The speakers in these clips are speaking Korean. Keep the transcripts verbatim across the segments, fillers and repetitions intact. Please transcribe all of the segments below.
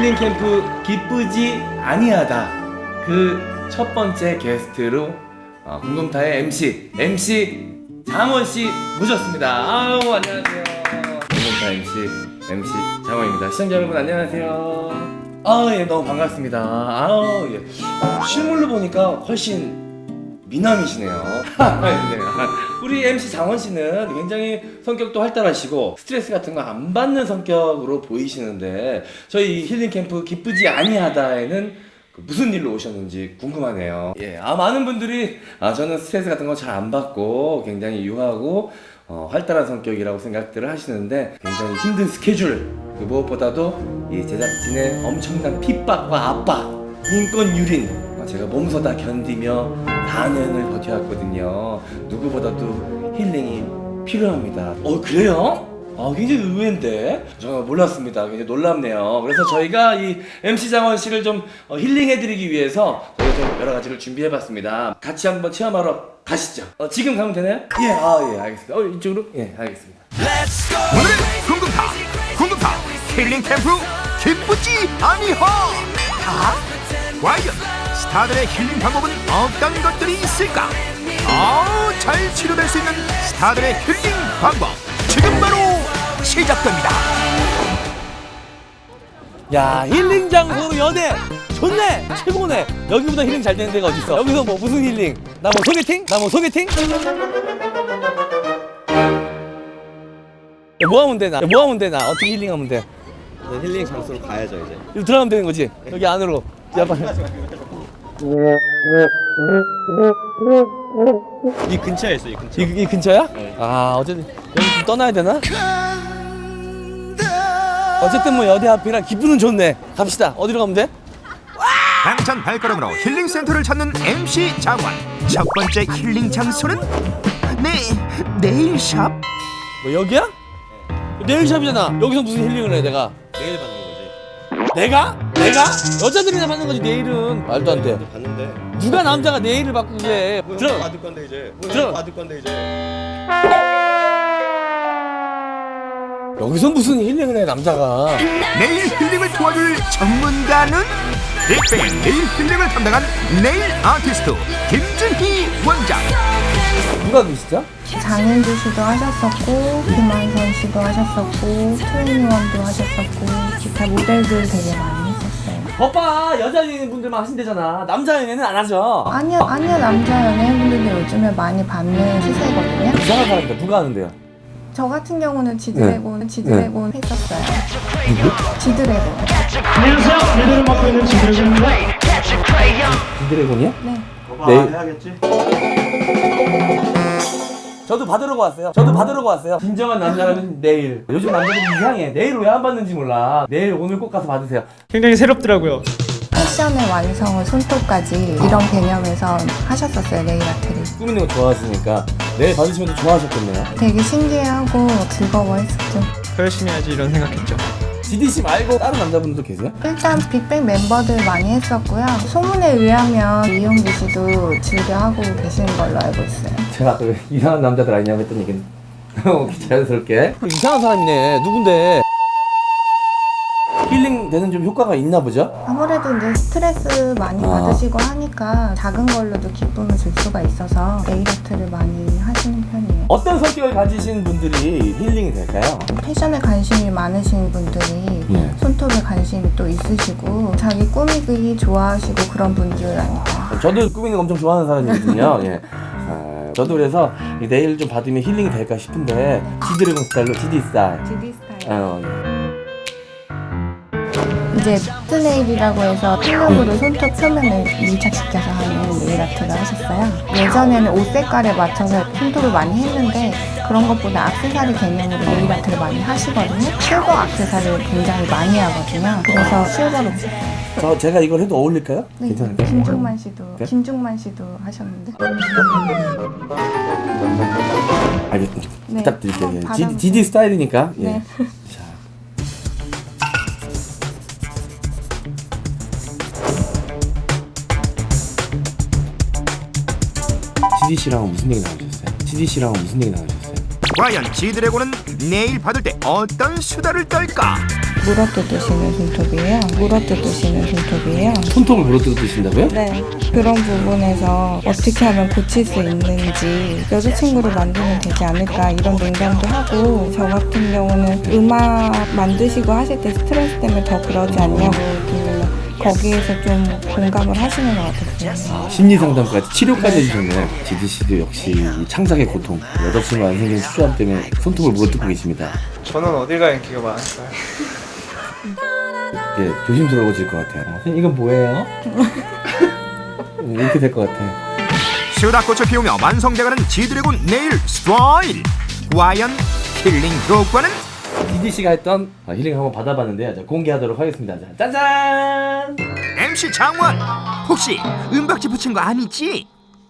힐링 캠프 기쁘지 아니하다 그 첫 번째 게스트로 어, 궁금타의 엠씨 엠씨 장원씨 모셨습니다. 아우 안녕하세요. 궁금타 엠씨 엠씨 장원입니다. 시청자 여러분 안녕하세요. 아예 너무 반갑습니다. 아우 예. 실물로 보니까 훨씬 미남이시네요. 네. 우리 엠씨 장원씨는 굉장히 성격도 활달하시고 스트레스 같은 거 안 받는 성격으로 보이시는데 저희 힐링 캠프 기쁘지 아니하다에는 무슨 일로 오셨는지 궁금하네요. 예, 아 많은 분들이 아 저는 스트레스 같은 거 잘 안 받고 굉장히 유하고 어, 활달한 성격이라고 생각들을 하시는데 굉장히 힘든 스케줄 그 무엇보다도 이 제작진의 엄청난 핍박과 압박, 인권 유린 어, 제가 몸소 다 견디며 사 년을 버텨왔거든요. 누구보다도 힐링이 필요합니다. 어 그래요? 아, 굉장히 의외인데 정말 몰랐습니다. 굉장히 놀랍네요. 그래서 저희가 이 엠씨 장원 씨를 좀 어, 힐링해드리기 위해서 저희가 좀 여러 가지를 준비해봤습니다. 같이 한번 체험하러 가시죠. 어, 지금 가면 되나요? 예, 아, 예, 알겠습니다. 어, 이쪽으로? 예, 알겠습니다. 오늘의 궁금타 궁금타 힐링 캠프 기쁘지 아니하 다? 과연 스타들의 힐링 방법은 어떤 것들이 있을까? 아우 잘 치료될 수 있는 스타들의 힐링 방법 지금 바로 시작됩니다. 야, 힐링 장소로 연애! 좋네! 최고네! 여기보다 힐링 잘 되는 데가 어딨어? 여기서 뭐 무슨 힐링? 나 뭐 소개팅? 나 뭐 소개팅? 야, 뭐 하면 돼, 나? 야, 뭐 하면 돼, 나? 어떻게 힐링하면 돼? 힐링 장소로 가야죠 이제. 여기 들어가면 되는 거지? 여기 안으로. 야, 빨리. 이 근처에 있어 이 근처. 이, 이 근처야? 네. 아, 어쨌든 여기 좀 떠나야 되나? 어쨌든 뭐 여대 앞이라 기분은 좋네. 갑시다. 어디로 가면 돼? 당찬 발걸음으로 힐링 센터를 찾는 엠씨 장원. 첫 번째 힐링 장소는 네 네일샵. 뭐 여기야? 네일샵이잖아. 여기서 무슨 힐링을 해 내가? 내일 받는 거지. 내가? 내가? 여자들이나 받는 거지 네일은 말도 안 돼. 받는데. 누가 남자가 네일을 받고 그래? 뭐 들어. 형 받을 건데 이제. 뭐 들어. 형 받을 건데 이제. 여기서 무슨 힐링을 해 남자가? 네일 힐링을 도와줄 전문가는 빅뱅 네일 힐링을 담당한 네일 아티스트 김준희 원장. 누가 계시죠? 장현주 씨도 하셨었고, 김한선 씨도 하셨었고, 트웬티원도 하셨었고, 기타 모델들 되게 많이 했었어요. 오빠 여자 연예인분들만 하신대잖아. 남자 연예인은 안 하죠? 아니요, 아니요, 남자 연예인분들도 요즘에 많이 받는 시세거든요. 이상한 사람들 누가 하는데요? 저 같은 경우는 지드래곤, 지드래곤 했었어요. 지드래곤. 안녕하세요. 리더를 맡고 있는 지드래곤입니다. 비드래곤이야? 네. 네. 해야겠지. 저도 받으러고 왔어요. 저도 받으러고 왔어요. 진정한 남자라면 네일. 요즘 남자들이 이상해. 네일 왜 안 받는지 몰라. 네일 오늘 꼭 가서 받으세요. 굉장히 새롭더라고요. 패션의 완성을 손톱까지 이런 개념에서 하셨었어요, 네일 아트를. 꾸미는 거 좋아하시니까 네일 받으시면 더 좋아하셨겠네요. 되게 신기해하고 즐거워했었죠. 더 열심히 해야지 이런 생각했죠. 지디씨 말고 다른 남자분도 계세요? 일단 빅뱅 멤버들 많이 했었고요. 소문에 의하면 이용기 씨도 즐겨하고 계시는 걸로 알고 있어요. 제가 또 이상한 남자들 아니냐고 했던 얘기는 자연스럽게 이상한 사람이네. 누군데? 힐링 되는 좀 효과가 있나 보죠? 아무래도 이제 스트레스 많이 아. 받으시고 하니까 작은 걸로도 기쁨을 줄 수가 있어서 네일 아트를 많이 하시는 편이에요. 어떤 성격을 가지신 분들이 힐링이 될까요? 패션에 관심이 많으신 분들이 네. 손톱에 관심이 또 있으시고 자기 꾸미기 좋아하시고 그런 분들 아닐까. 저도 꾸미는 거 엄청 좋아하는 사람이거든요. 예. 아, 저도 그래서 이 네일 좀 받으면 힐링이 될까 싶은데 지드래곤 스타일로 지디 스타일. 지디 스타일. 어, 예. 이제 퓨트네일이라고 해서 필름으로 손톱 표면을 밀착시켜서 하는 네일 아트를 하셨어요. 예전에는 옷 색깔에 맞춰서 손톱을 많이 했는데 그런 것보다 액세서리 개념으로 네일 아트를 많이 하시거든요. 실버 액세서리를 굉장히 많이 하거든요. 그래서 실버로 저 제가 이걸 해도 어울릴까요? 네, 괜찮을까요? 김중만 씨도 네? 김중만 씨도 하셨는데. 알겠습니다. 네. 부탁드릴게요. 예. 받아보세요. 지디, 지디 스타일이니까. 예. 네. 자. 지디 씨랑은 무슨 얘기 나누셨어요? 지디 씨랑은 무슨 얘기 나누셨어요? 과연 지드래곤은 네일 받을 때 어떤 수다를 떨까? 물어뜯으시는 손톱이에요. 물어뜯으시는 손톱이에요. 손톱을 물어뜯으신다고요? 네. 그런 부분에서 어떻게 하면 고칠 수 있는지 여자친구를 만들면 되지 않을까 이런 농담도 하고 저 같은 경우는 음악 만드시고 하실 때 스트레스 때문에 더 그러지 않냐고 들으면 거기에서 좀 공감을 하시는 것 같았어요. 아, 심리 상담까지 치료까지 해주셨네요. 지디 씨도 역시 이 창작의 고통, 여자친구 안 생긴 수조함 때문에 손톱을 물어뜯고 계십니다. 저는 어딜 가야 인기가 많을까요? 이게 조심스러워질 것 같아요. 어, 선생님 이건 뭐예요? 이렇게 될 것 같아요. 수다꽃을 피우며 완성돼가는 지드래곤 네일 스타일. 과연 힐링 효과는? 지디 씨가 했던 아, 힐링 한번 받아봤는데요. 자, 공개하도록 하겠습니다. 자, 짜잔! 엠씨 장원 혹시 은박지 붙인 거 아니지?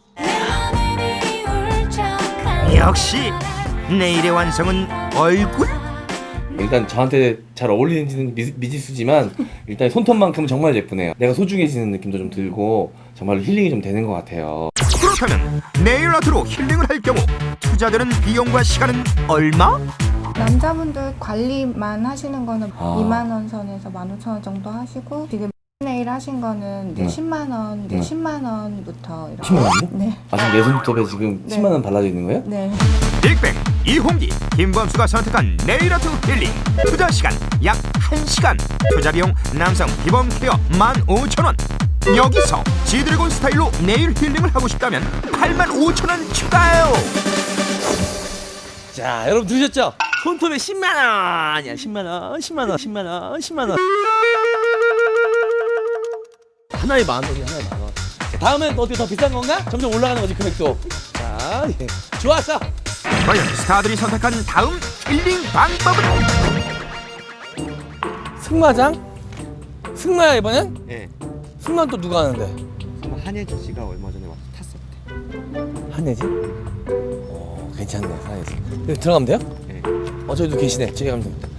역시 네일의 완성은 얼굴? 일단 저한테 잘 어울리는 미, 미지수지만 일단 손톱만큼은 정말 예쁘네요. 내가 소중해지는 느낌도 좀 들고 정말로 힐링이 좀 되는 것 같아요. 그렇다면 네일 아트로 힐링을 할 경우 투자되는 비용과 시간은 얼마? 남자분들 관리만 하시는 거는 아. 이만 원 선에서 만 오천 원 정도 하시고 지금 네일 하신 거는 이제 네. 십만 원, 이제 네. 십만 원부터 이렇게. 십만 원이요? 네. 아 지금 내 손톱에 지금 네. 십만 원 발라져 있는 거예요? 네. 빅뱅 이홍기 김범수가 선택한 네일 아트 힐링 투자 시간 약 한 시간 투자 비용 남성 기본 케어 만 오천 원 여기서 지드래곤 스타일로 네일 힐링을 하고 싶다면 팔만 오천 원 추가요. 자 여러분 들으셨죠? 손톱에 십만 원이야. 십만 원, 십만 원, 십만 원, 십만 원. 하나에 만 원이야. 하나에 만 원. 자, 다음엔 어떻게 더 비싼 건가? 점점 올라가는 거지 금액도. 자, 예. 좋았어. 과연 스타들이 선택한 다음 힐링 방법은? 승마장? 승마야 이번엔? 예. 승마 또 누가 하는데? 정말 한예지 씨가 얼마 전에 와서 탔었대. 한예지? 어 괜찮네 한예지. 여기 들어가면 돼요? 예. 어 저기도 계시네. 저기 가면 됩니다.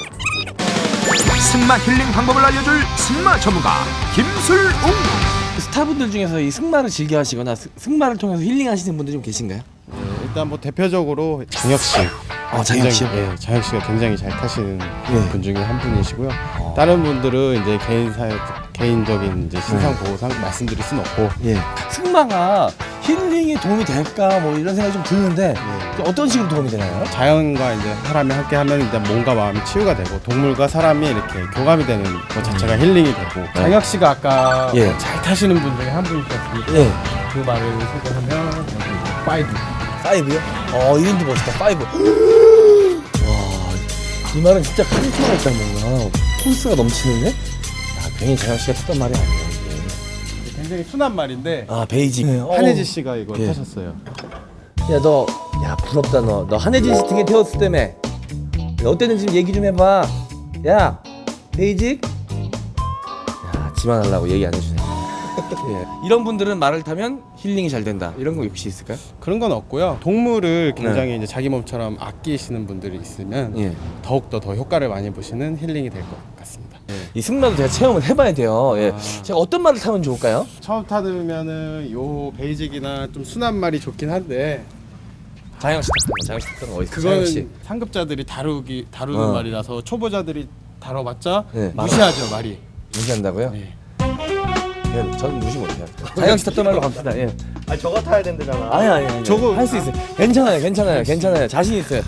승마 힐링 방법을 알려줄 승마 전문가 김술웅. 스타분들 중에서 이 승마를 즐겨 하시거나 스- 승마를 통해서 힐링하시는 분들 좀 계신가요? 네, 일단 뭐 대표적으로 장혁 씨. 아, 장혁 씨요? 굉장히, 예, 장혁 씨가 굉장히 잘 타시는 예. 분 중에 한 분이시고요. 어. 다른 분들은 이제 개인 사회 개인적인 이제 신상 보호상 말씀드릴 순 없고. 예. 승마가 힐링에 도움이 될까 뭐 이런 생각이 좀 드는데 예. 어떤 식으로 도움이 되나요? 자연과 이제 사람이 함께 하면 일단 몸과 마음이 치유가 되고 동물과 사람이 이렇게 교감이 되는 것 자체가 힐링이 되고. 장혁 씨가 아까 예. 뭐잘 타시는 분 중에 한 분이셨으니까 예. 그 말을 소개하면 여기 이제 파이브. 파이브요? 어 이름도 멋있다. 파이브. 와, 이 말은 진짜 카리스마가 있다 뭔가 포스가 넘치는데? 야, 괜히 장혁 씨가 탔던 말이 아니에요 이게. 굉장히 순한 말인데 아 베이직. 네. 한혜지 씨가 이거 예. 타셨어요. 야 너, 야 부럽다 너. 너 한혜진 씨 등에 태웠을 때며. 너 어땠는지 좀 얘기 좀 해봐. 야, 베이직. 야, 지만하려고 얘기 안 해주네. 예. 이런 분들은 말을 타면 힐링이 잘 된다. 이런 거 혹시 있을까요? 그런 건 없고요. 동물을 굉장히 이제 자기 몸처럼 아끼시는 분들이 있으면 예. 더욱더 더 효과를 많이 보시는 힐링이 될 것 같습니다. 이 승마도 제가 체험을 해봐야 돼요. 예. 아. 제가 어떤 말을 타면 좋을까요? 처음 타면은 요 베이직이나 좀 순한 말이 좋긴 한데 장혁 씨 탔던 거. 장혁 씨 탔던 거 어디 있어? 그거는 장혁 씨. 상급자들이 다루기 다루는 어. 말이라서 초보자들이 다뤄봤자 네. 무시하죠 말이. 무시한다고요? 네. 예. 저는 무시 못해요. 장혁 씨 탔던 말로 갑시다. 예. 아 저가 타야 된다잖아. 아니 아니 아니. 저거- 할 수 있어요. 괜찮아요. 괜찮아요. 괜찮아요. 자신 있어요.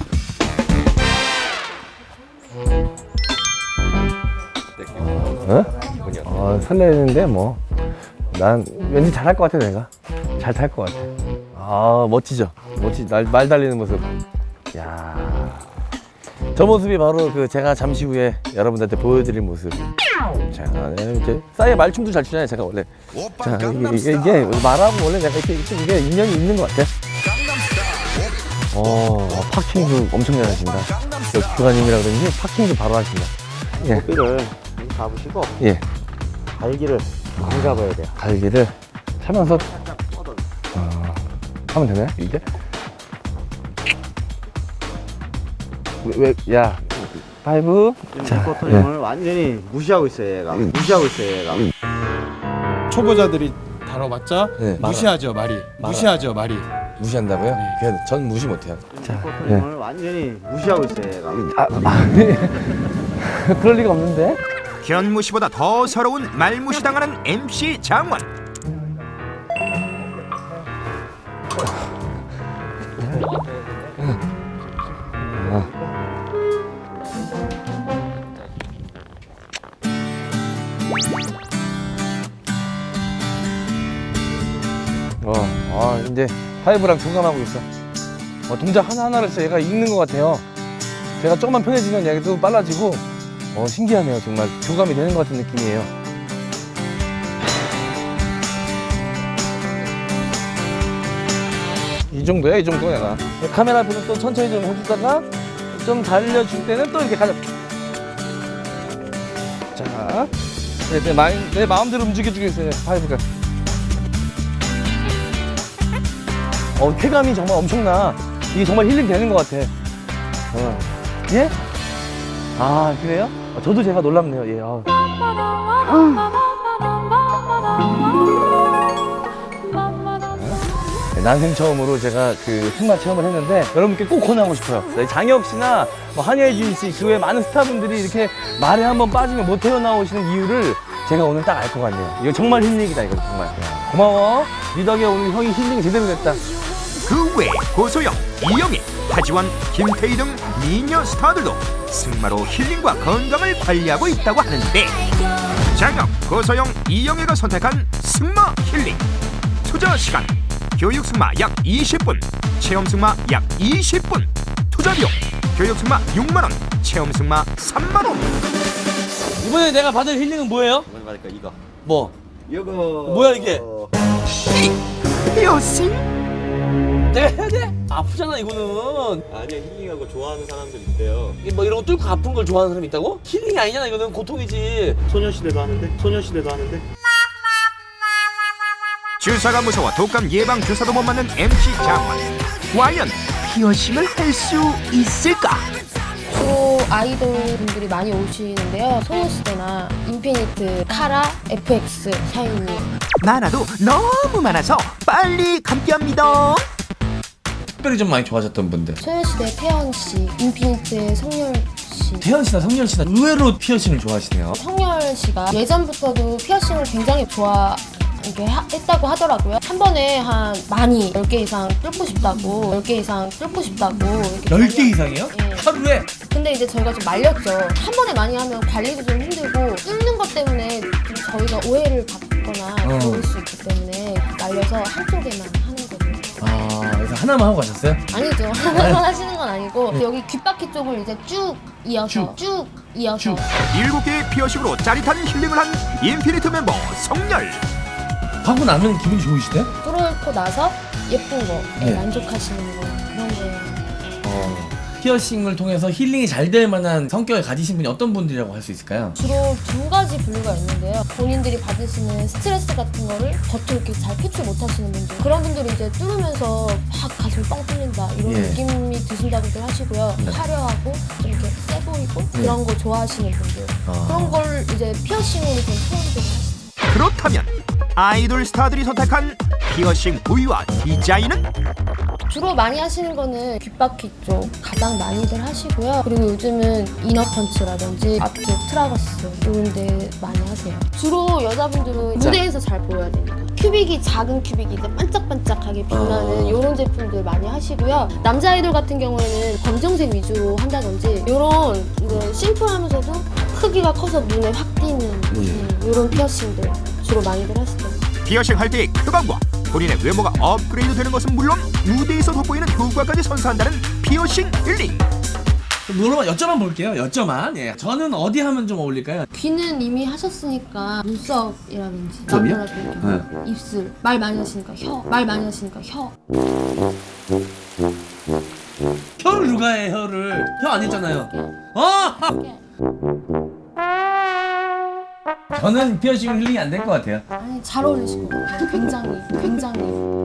어? 어 설레는데 뭐 난 왠지 잘할 것 같아 내가 잘 탈 것 같아. 아 멋지죠. 멋지 날, 말 달리는 모습. 야. 저 모습이 바로 그 제가 잠시 후에 여러분들한테 보여드릴 모습. 자, 네, 이제 싸이의 말춤도 잘 추잖아요 제가 원래. 자 이게, 이게, 이게 말하고 원래 내가 이렇게, 이렇게 이게 인연이 있는 것 같아. 어 파킹도 엄청 잘하신다. 교관님이라 그런지 파킹도 바로 하신다. 예. 커피를 잡으시고 예. 갈기를 많이 잡아야 돼요. 갈기를 차면서 어, 하면 되나요? 이게? 왜, 왜, 야, 파이브. 자, 포토님을 완전히 무시하고 있어요 얘가. 무시하고 있어요 얘가. 초보자들이 다뤄봤자 네. 무시하죠 말이. 무시하죠 말이. 무시한다고요? 그냥 전 무시 못해요. 자, 예. 포토님을 완전히 무시하고 있어요 얘가. 아, 아, 그럴 리가 없는데. 견무시보다 더 서러운 말무시당하는 엠씨 장원. 어, 아 이제 파이브랑 공감하고 있어. 어, 동작 하나 하나를 진짜 얘가 읽는 것 같아요. 제가 조금만 편해지면 얘도 빨라지고. 어 신기하네요. 정말 교감이 되는 것 같은 느낌이에요. 이 정도야, 이 정도 내가. 카메라 앞에서 또 천천히 좀 해주다가 좀 달려줄 때는 또 이렇게 가자. 자, 내, 내, 마인, 내 마음대로 움직여주고 있어요, 파이브가. 어, 쾌감이 정말 엄청나. 이게 정말 힐링 되는 것 같아. 어. 예? 아, 그래요? 어, 저도 제가 놀랍네요, 예. 어. 난생 처음으로 제가 그 승마 체험을 했는데 여러분께 꼭 권하고 싶어요. 네, 장혁 씨나 뭐 한예진 씨, 그 외 많은 스타분들이 이렇게 말에 한번 빠지면 못 헤어나오시는 이유를 제가 오늘 딱 알 것 같네요. 이거 정말 힐링이다, 이거 정말. 고마워. 니 덕에 오늘 형이 힐링이 제대로 됐다. 그 외 고소영, 이영애, 하지원, 김태희 등 미녀 스타들도 승마로 힐링과 건강을 관리하고 있다고 하는데 장혁, 고소영, 이영애가 선택한 승마 힐링 투자 시간 교육 승마 약 이십 분, 체험 승마 약 이십 분, 투자 비용 교육 승마 육만 원, 체험 승마 삼만 원. 이번에 내가 받을 힐링은 뭐예요? 이번에 받을까 이거. 뭐? 이거. 뭐야 이게? 피어싱? 내가 해야 돼? 아프잖아 이거는. 아니야, 힐링하고 좋아하는 사람들 있대요. 이게 뭐 이런 거 뚫고 아픈 걸 좋아하는 사람이 있다고? 힐링이 아니잖아, 이거는 고통이지. 소녀시대도 하는데? 소녀시대도 하는데? 주사가 무서워 독감 예방 주사도 못 맞는 엠씨 장원. 과연 피어싱을 할 수 있을까? 주로 아이돌 분들이 많이 오시는데요. 소녀시대나 인피니트, 카라, 에프엑스, 샤이니. 많아도 너무 많아서 빨리 감기합니다. 특별히 좀 많이 좋아졌던 분들. 소녀시대 태연 씨, 인피니트의 성열 씨. 태연 씨나 성렬 씨나 의외로 피어싱을 좋아하시네요. 성열 씨가 예전부터도 피어싱을 굉장히 좋아 이렇게 하, 했다고 하더라고요. 한 번에 한 많이 열 개 이상 뚫고 싶다고, 열 개 이상 뚫고 싶다고. 이렇게 열 개 이상이요? 예. 하루에? 근데 이제 저희가 좀 말렸죠. 한 번에 많이 하면 관리도 좀 힘들고 뚫는 것 때문에 좀 저희가 오해를 받거나 어. 그럴 수 있기 때문에 말려서 한쪽에만 하는 거예요. 아, 그래서 하나만 하고 가셨어요? 아니죠. 하나만 하시는 건 아니고 여기 귓바퀴 쪽을 이제 쭉 이어서 쭉, 이어서 쭉. 일곱 개의 피어싱으로 짜릿한 힐링을 한 인피니트 멤버 성열. 하고 나면 기분이 좋으시대요? 뚫고 나서 예쁜 거, 네. 만족하시는 거 그런 거예요. 어. 피어싱을 통해서 힐링이 잘 될 만한 성격을 가지신 분이 어떤 분들이라고 할 수 있을까요? 주로 두 가지 분류가 있는데요. 본인들이 받으시는 스트레스 같은 거를 겉으로 이렇게 잘 표출 못 하시는 분들. 그런 분들이 이제 뚫으면서 막 가슴이 뻥 뚫린다 이런 예. 느낌이 드신다고들 하시고요. 네. 화려하고 좀 이렇게 세 보이고 네. 그런 거 좋아하시는 분들. 아. 그런 걸 이제 피어싱으로 좀 표현들을 하시죠. 그렇다면 아이돌 스타들이 선택한 피어싱 부위와 디자인은? 주로 많이 하시는 거는 귓바퀴 쪽 가장 많이들 하시고요. 그리고 요즘은 이너펀치라든지 앞쪽 트라거스 이런 데 많이 하세요. 주로 여자분들은 무대에서 잘 보여야 되니까 큐빅이 작은 큐빅이 이제 반짝반짝하게 빛나는 이런 제품들 많이 하시고요. 남자 아이돌 같은 경우에는 검정색 위주로 한다든지 이런 이제 심플하면서도 크기가 커서 눈에 확 띄는 이런 피어싱들 주로 많이들 하시죠. 피어싱 할 때의 쾌감과 본인의 외모가 업그레이드 되는 것은 물론 무대에서 돋보이는 효과까지 선사한다는 피어싱 힐링. 물어봐 여쭤만 볼게요. 여쭤만. 예. 저는 어디 하면 좀 어울릴까요? 귀는 이미 하셨으니까 눈썹이라든지 눈썹이요? 남자들 경우 입술 말 많이 하시니까 혀 말 많이 하시니까 혀 혀를 누가 해 혀를? 혀 안 했잖아요. 아! 저는 피어싱 힐링이 안 될 것 같아요. 아니 잘 어울리실 것 같아요. 굉장히 굉장히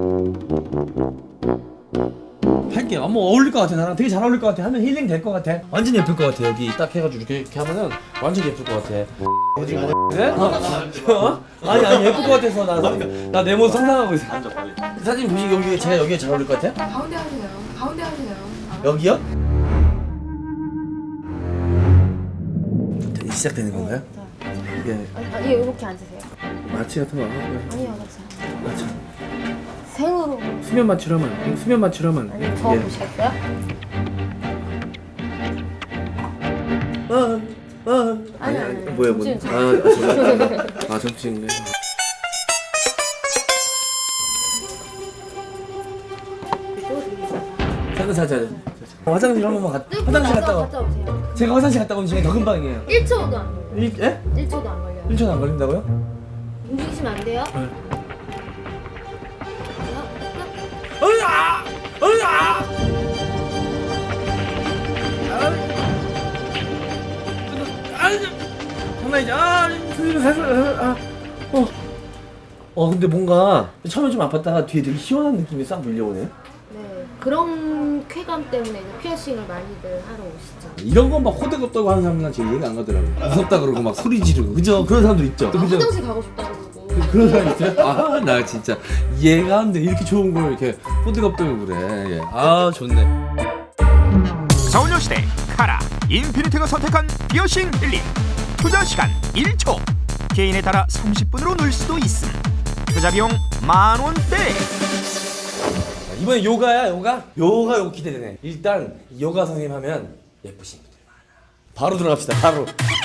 할게요. 뭐 어울릴 것 같아. 나랑 되게 잘 어울릴 것 같아. 하면 힐링 될 것 같아. 완전 예쁠 것 같아. 여기 딱 해가지고 이렇게, 이렇게 하면은 완전 예쁠 것 같아. 어디 뭐? 네? 어? 아니 아니 예쁠 것 같아서 나나 내 모습 상상하고 있어. 사진 보시 여기 제가 여기에 잘 어울릴 것 같아요? 가운데 하세요. 가운데 하세요. 여기요? 시작되는 건가요? 이게 아니, 아니 이렇게 앉으세요. 마취 같은 거 안 하고요. 아니요, 괜찮아요. 마취. 생으로. 수면 마취라면 수면 마취라면. 아니 저 보시겠어요? 아, 아. 아니, 아니, 뭐야 뭐? 정신 아, 정말. 아, 정신네. 잠깐 잠깐. 화장실 한 번만 가. 화장실 갔다 와. 갔다 오세요. 제가 화장실 갔다 오면 시간이 더 금방이에요. 일 초도 안 걸려요. 일, 예? 일 초도 안 걸려요. 일 초도 안 걸린다고요? 움직이시면 안 돼요. 네. 끝. 으아! 으아! 장난이지. 아, 선생님 살살. 아, 어. 어, 근데 뭔가 처음에 좀 아팠다가 뒤에 되게 시원한 느낌이 싹 밀려오네. 네. 그런 쾌감 때문에 이제 피어싱을 많이들 하러 오시죠. 이런 건 막 호들 없다고 하는 사람은 제일 이해가 안 가더라고요. 무섭다 그러고 막 소리 지르고, 그죠? 그런 사람들 있죠. 아, 그죠? 화장실 가고 싶다고 그러고. 그런 사람 있어요? 아, 나 진짜 이해가 안 돼. 이렇게 좋은 걸 이렇게 호들갑대고 그래. 예. 아, 좋네. 소녀시대 카라 인피니트가 선택한 피어싱 힐링. 투자 시간 일 초. 개인에 따라 삼십 분으로 넣을 수도 있음. 투자 비용 만 원대. 이번에 요가야, 요가? 요가 요거 기대되네. 일단 요가 선생님 하면 예쁘신 분들이 많아. 바로 들어갑시다. 바로.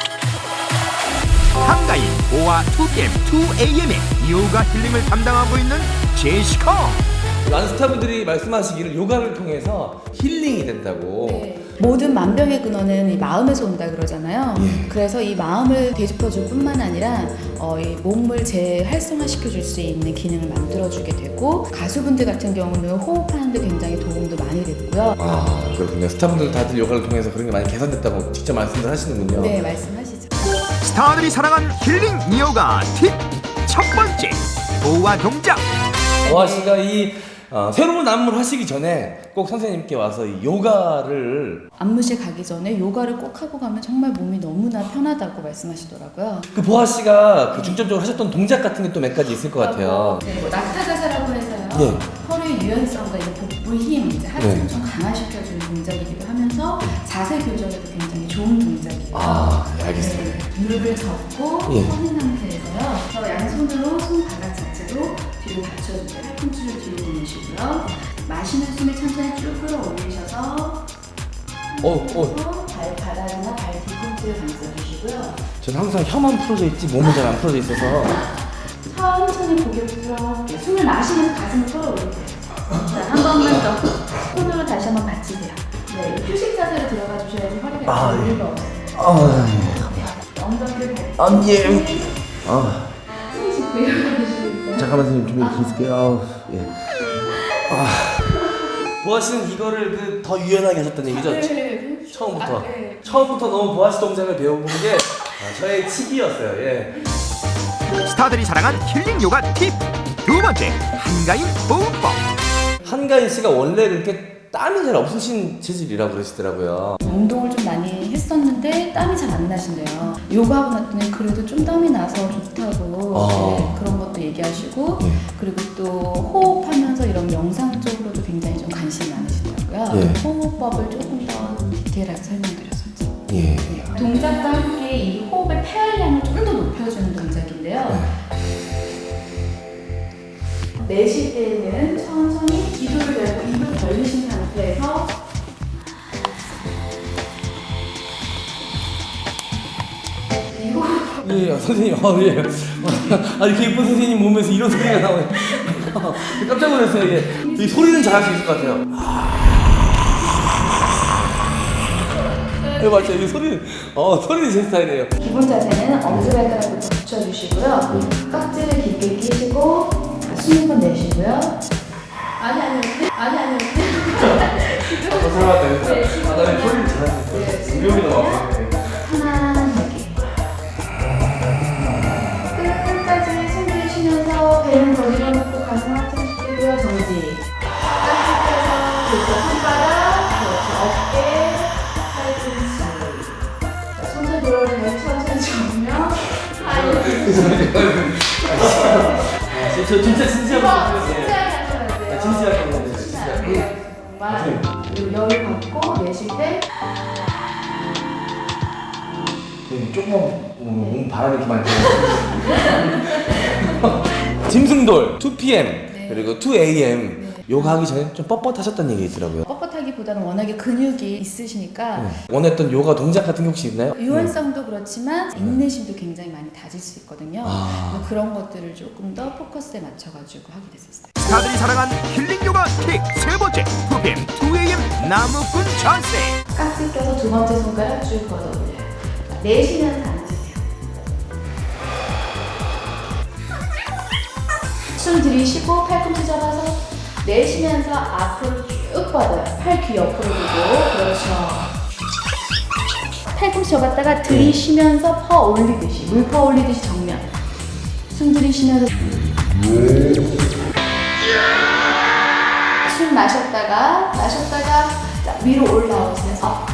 한가인 오와 투 피엠, 투 에이엠에 요가 힐링을 담당하고 있는 제시카. 많은 스타분들이 말씀하시기를 요가를 통해서 힐링이 된다고. 모든 만병의 근원은 이 마음에서 온다 그러잖아요. 그래서 이 마음을 되짚어줄 뿐만 아니라 어, 이 몸을 재활성화시켜줄 수 있는 기능을 만들어주게 되고, 가수분들 같은 경우는 호흡하는데 굉장히 도움도 많이 됐고요. 아, 그렇군요. 스타분들 다들 요가를 통해서 그런 게 많이 개선됐다고 직접 말씀을 하시는군요. 네, 말씀하시죠. 스타들이 사랑한 힐링 요가 팁. 첫 번째, 보아 동작. 보아 씨가 이 어, 새로운 안무를 하시기 전에 꼭 선생님께 와서 이 요가를 안무실 가기 전에 요가를 꼭 하고 가면 정말 몸이 너무나 편하다고 말씀하시더라고요. 그 보아 씨가 그 중점적으로 하셨던 동작 같은 게 또 몇 가지 있을 것 같아요. 네, 뭐 낙타자세라고 해서요. 예. 허리의 유연성과 이제 복부 힘, 이제 하체를 네. 좀 강화시켜주는 동작이기도 하면서 자세 교정에도 굉장히 좋은 동작이에요. 아, 네, 알겠습니다. 네, 무릎을 접고 예. 서는 상태에서요. 그래서 양손으로 손바닥 자체로 뒤로 받쳐주세요. 팔꿈치를 뒤로 보내시고요. 마시는 숨을 천천히 쭉 끌어올리셔서 어, 어. 발바닥이나 발 뒤꿈치를 감싸주시고요. 저는 항상 혀만 풀어져 있지 몸은 잘 안 풀어져 있어서. 천천히 고개 부드럽게 숨을 마시면서 가슴을 끌어올리세요. 자, 한 번만 더. 손으로 다시 한번 받치세요. 네, 휴식 자세로 들어가 주셔야지 허리가 아, 잘 예. 올리고 아, 엉덩이를 밟고 아, 예. 아, 숨 쉬고 일어나시고요. 잠깐만 선생님 좀 기술게요. 아우, 예. 아, 보아 씨는 이거를 그 더 유연하게 하셨다는 얘기죠? 네. 처음부터. 아, 네. 처음부터 너무 보아 씨 동작을 배워본 게 아, 저의 칙이었어요. 예. 스타들이 사랑한 힐링 요가 팁. 두 번째, 한가인 호흡법. 한가인 씨가 원래 이렇게 땀이 잘 없으신 체질이라고 그러시더라고요. 운동을 좀 많이 했었는데 땀이 잘 안 나신대요. 요가하고 났더니 그래도 좀 땀이 나서 좋다고 아. 네, 그런 것도 얘기하시고 예. 그리고 또 호흡하면서 이런 명상 쪽으로도 굉장히 좀 관심이 많으시더라고요. 예. 호흡법을 조금 더 디테일하게 설명드렸었죠. 예. 동작과 함께 이 호흡의 폐활량을 좀 더 높여주는 동작인데요. 내쉴 때는 천천히 기도를 열고 입을 벌리신 상태에서 이 호흡 예, 예, 선생님, 아, 예. 아, 이렇게 예쁜 선생님 몸에서 이런 소리가 나오네. 깜짝 놀랐어요, 예. 이 소리는 잘할 수 있을 것 같아요. 네, 맞죠. 이 소리는, 어, 소리는 제 스타일이에요. 기본 자세는 엄지발가락부터 붙여주시고요. 깍지를 깊게 끼시고 숨 한 번 내쉬고요. 아니 아니 아니 아니 아, 잘맞다. 아, 나는 소리는 잘하는데. 위험이 너무 아파요. 편안하게 끝까지 숨 들이쉬면서 배는 더 밀어놓고 가슴 하체를 숙이고요. 정지. 깍지 펴서 그렇죠. 손바닥 그렇죠. 어깨 팔꿈치. 자, 손을 돌아오면 천천히 접으면 저 진짜 진지하게 어, 예. 진지하게 하셔야 돼요. 진지하게 해야 돼요, 진지하게. 정말 여유 갖고 내쉴 때 조금 몸 바람이 이렇게 많이 들어요. 짐승돌 투 피엠 네. 그리고 투 에이엠 네. 요가 하기 전에 좀 뻣뻣하셨다는 얘기 있더라고요. 뻣뻣하기보다는 워낙에 근육이 있으시니까 네. 원했던 요가 동작 같은 게 혹시 있나요? 유연성도 그렇지만 인내심도 굉장히 많이 다질 수 있거든요. 아. 그런 것들을 조금 더 포커스에 맞춰가지고 하게 됐었어요. 스타들이 사랑한 힐링 요가 팁 세 번째 투 피엠 투 에이엠 나무꾼 자세. 깍지 껴서 두 번째 손가락 쭉 걷어 올려요. 내쉬면서 앉으세요. 숨 들이쉬고 팔꿈치 잡아서 내쉬면서 앞으로 쭉 뻗어요. 팔 귀 옆으로 두고 그렇죠. 팔꿈치 접었다가 들이쉬면서 퍼 올리듯이 물 퍼 올리듯이 정면. 숨 들이쉬면서 숨 마셨다가 마셨다가 자, 위로 올라오세요. 업.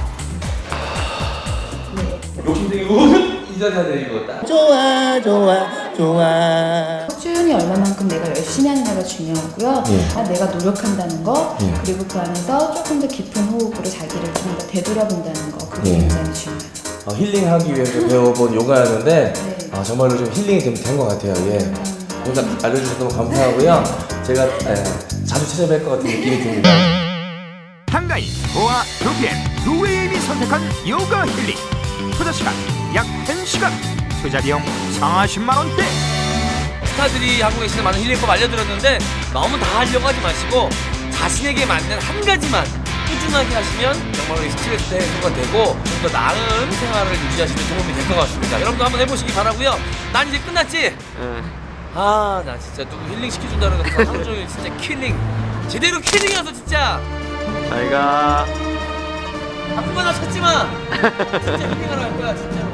네. 욕심쟁이 우이 자세 이거 딱. 좋아 좋아 좋아. 꾸준히 얼마만큼 내가 열심히 하느냐가 중요하고요. 예. 아, 내가 노력한다는 거, 예. 그리고 그 안에서 조금 더 깊은 호흡으로 자기를 좀 더 되돌아본다는 거, 그게 예. 굉장히 중요해요. 어, 힐링하기 위해서 배워본 요가였는데 네. 어, 정말로 좀 힐링이 좀 된 것 같아요. 예. 오늘 알려주셔서 너무 감사하고요. 제가 예, 자주 찾아뵐 것 같은 느낌이 듭니다. 한가인 보아 투 피엠 투 에이엠이 선택한 요가 힐링. 투자 시간 약 한 시간. 투자 비용 사십만 원대. 스타들이 하고 계시는 많은 힐링법 알려드렸는데 너무 다 하려고 하지 마시고 자신에게 맞는 한 가지만 꾸준하게 하시면 정말로 이 스트레스 해소가 되고 좀 더 나은 생활을 유지하시는 데 도움이 될 것 같습니다. 여러분도 한번 해보시기 바라고요. 난 이제 끝났지? 아, 나 진짜 누구 힐링 시켜준다 그러니까 하루 종일 진짜 킬링 제대로 킬링이어서 진짜 잘가. 아무거나 찾지 마. 진짜 힐링하러 갈 거야 진짜로.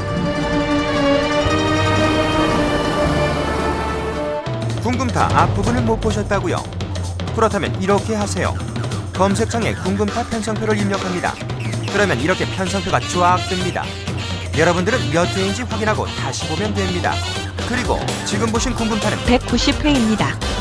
궁금타 앞부분을 못 보셨다고요? 그렇다면 이렇게 하세요. 검색창에 궁금타 편성표를 입력합니다. 그러면 이렇게 편성표가 쫙 뜹니다. 여러분들은 몇 회인지 확인하고 다시 보면 됩니다. 그리고 지금 보신 궁금타는 백구십 회입니다.